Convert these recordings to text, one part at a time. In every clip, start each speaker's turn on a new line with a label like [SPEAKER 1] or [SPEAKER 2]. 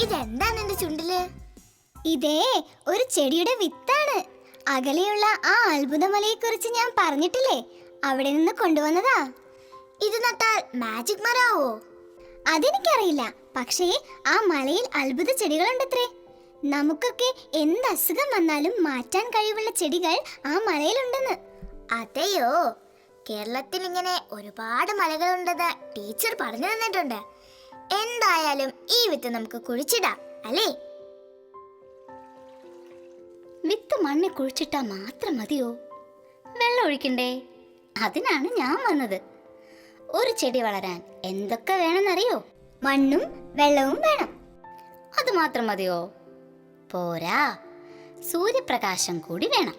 [SPEAKER 1] ഇതെന്താണ് എന്റെ ചുണ്ടില്?
[SPEAKER 2] ഇതേ ഒരു ചെടിയുടെ വിത്താണ്. അകലെയുള്ള ആ അത്ഭുതമലയെ കുറിച്ച് ഞാൻ പറഞ്ഞിട്ടില്ലേ, അവിടെ നിന്ന് കൊണ്ടുവന്നതാ.
[SPEAKER 1] ഇത് നട്ടാൽ മാജിക് മരാവോ?
[SPEAKER 2] അതെനിക്കറിയില്ല, പക്ഷേ ആ മലയിൽ അത്ഭുത ചെടികളുണ്ടത്രേ. നമുക്കൊക്കെ എന്ത് അസുഖം വന്നാലും മാറ്റാൻ കഴിവുള്ള ചെടികൾ ആ മലയിലുണ്ടെന്ന്.
[SPEAKER 1] അതെയോ? കേരളത്തിൽ ഇങ്ങനെ ഒരുപാട് മലകളുണ്ടെന്ന് ടീച്ചർ പറഞ്ഞു തന്നിട്ടുണ്ട്. എന്തായാലും ഈ വിത്ത് നമുക്ക് കുഴിച്ചിടാം അല്ലേ?
[SPEAKER 3] വിത്ത് മണ്ണിൽ കുഴിച്ചിട്ടാ മാത്രം മതിയോ? വെള്ളം ഒഴിക്കണ്ടേ? അതിനാണ് ഞാൻ വന്നത്. ഒരു ചെടി വളരാൻ എന്തൊക്കെ വേണമെന്നറിയോ?
[SPEAKER 2] മണ്ണും വെള്ളവും വേണം.
[SPEAKER 3] അത് മാത്രം മതിയോ? പോരാ, സൂര്യപ്രകാശം കൂടി വേണം.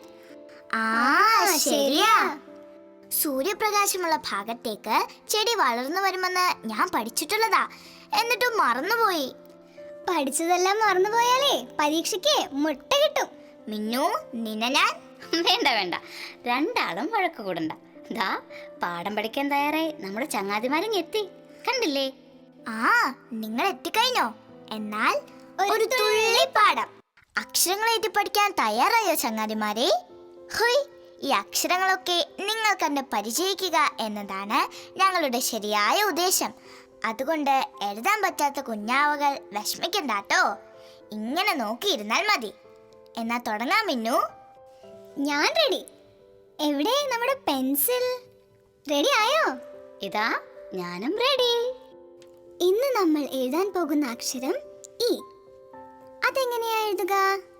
[SPEAKER 1] ശരിയാ. സൂര്യപ്രകാശമുള്ള ഭാഗത്തേക്ക് ചെടി വളർന്നു വരുമെന്ന് ഞാൻ പഠിച്ചിട്ടുള്ളതാ, എന്നിട്ടും മറന്നുപോയി.
[SPEAKER 2] പഠിച്ചതെല്ലാം മറന്നുപോയാലേ പരീക്ഷയ്ക്ക് മുട്ട കിട്ടും.
[SPEAKER 1] മിന്നു, നിന്നെ ഞാൻ
[SPEAKER 3] വേണ്ട വേണ്ട, രണ്ടാളും വഴക്ക് കൂടണ്ട. ദാ പാഠം പഠിക്കാൻ തയ്യാറായി നമ്മുടെ ചങ്ങാതിമാരും എത്തി, കണ്ടില്ലേ?
[SPEAKER 1] നിങ്ങൾ എത്തിക്കഴിഞ്ഞോ? എന്നാൽ ഒരു തുള്ളി പാഠം. അക്ഷരങ്ങളേറ്റി പഠിക്കാൻ തയ്യാറായോ ചങ്ങാതിമാരെ? ഹോയ്, ഈ അക്ഷരങ്ങളൊക്കെ നിങ്ങൾ കണ്ട് പരിചയിക്കുക എന്നതാണ് ഞങ്ങളുടെ ശരിയായ ഉദ്ദേശം. അതുകൊണ്ട് എഴുതാൻ പറ്റാത്ത കുഞ്ഞാവകൾ വിഷമിക്കണ്ടാട്ടോ, ഇങ്ങനെ നോക്കിയിരുന്നാൽ മതി. എന്നാ തുടങ്ങാം മിന്നു.
[SPEAKER 2] ഞാൻ റെഡി. എവിടെ നമ്മുടെ പെൻസിൽ? റെഡി ആയോ?
[SPEAKER 3] ഇതാ ഞാനും റെഡി.
[SPEAKER 2] ഇന്ന് നമ്മൾ എഴുതാൻ പോകുന്ന അക്ഷരം ഇ. അതെങ്ങനെയാ എഴുതുക?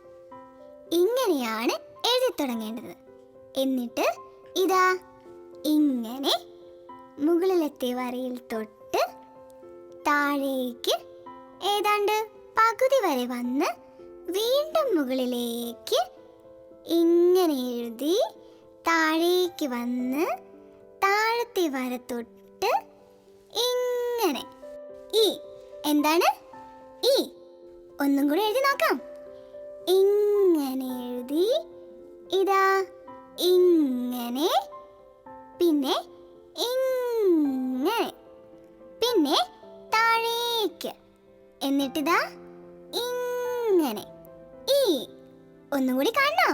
[SPEAKER 2] ഇങ്ങനെയാണ് എഴുതി തുടങ്ങേണ്ടത്. എന്നിട്ട് ഇതാ ഇങ്ങനെ മുകളിലത്തെ വരയിൽ തൊട്ട് താഴേക്ക് ഏതാണ്ട് പകുതി വരെ വന്ന് വീണ്ടും മുകളിലേക്ക് ഇങ്ങനെ എഴുതി താഴേക്ക് വന്ന് താഴത്തെ വര തൊട്ട് ഇങ്ങനെ ഇ. എന്താണ് ഇ? ഒന്നും കൂടെ എഴുതി നോക്കാം. ഇങ്ങനെ എഴുതി ഇതാ ഇങ്ങനെ, പിന്നെ ഇങ്ങനെ, പിന്നെ താഴേക്ക്, എന്നിട്ടിതാ ഇങ്ങനെ ഇ. ഒന്നും കൂടി കാണണോ?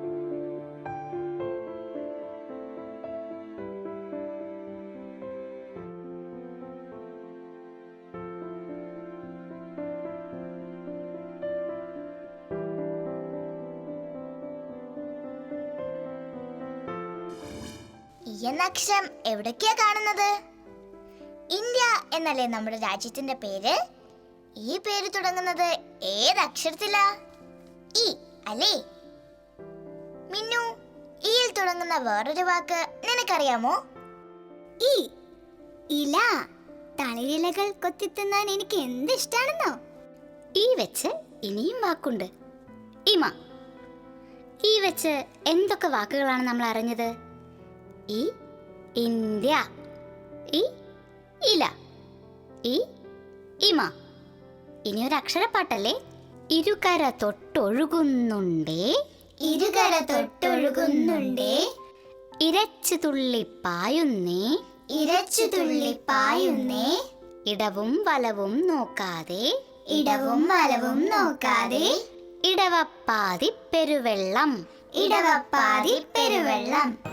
[SPEAKER 1] ഈ എന്ന അക്ഷരം എവിടൊക്കെയാ കാണുന്നത്? ഇന്ത്യ എന്നല്ലേ നമ്മുടെ രാജ്യത്തിന്റെ പേര്? ഈ പേര് തുടങ്ങുന്നത് ഏതക്ഷരത്തിലാ? ഇ അല്ലേ? മിന്നു, ഇയിൽ തുടങ്ങുന്ന വേറൊരു വാക്ക് നിനക്കറിയാമോ?
[SPEAKER 2] ഇ. ഇല. തളിരിലകൾ കൊത്തിത്തിന്നാൻ എനിക്ക് എന്ത് ഇഷ്ടാണെന്നോ.
[SPEAKER 3] ഈ വെച്ച് ഇനിയും വാക്കുണ്ട്, ഇമ. ഈ വെച്ച് എന്തൊക്കെ വാക്കുകളാണ് നമ്മൾ അറിഞ്ഞത്? ഈ ഇന്ത്യ, ഈ ഇല, ഈ ഇമ. ഇനി ഒരു അക്ഷരപ്പാട്ടല്ലേ? ഇരുകര തൊട്ടൊഴുകുന്നുണ്ടേ,
[SPEAKER 2] ഇരുകര തൊട്ടൊഴുകുന്നുണ്ടേ,
[SPEAKER 3] ഇരച്ചു തുള്ളി പായുന്നേ,
[SPEAKER 2] ഇരച്ചു തുള്ളി പായുന്നേ,
[SPEAKER 3] ഇടവും വലവും നോക്കാതെ,
[SPEAKER 2] ഇടവും വലവും നോക്കാതെ,
[SPEAKER 3] ഇടവപ്പാതി പെരുവെള്ളം,
[SPEAKER 2] ഇടവപ്പാതി പെരുവെള്ളം.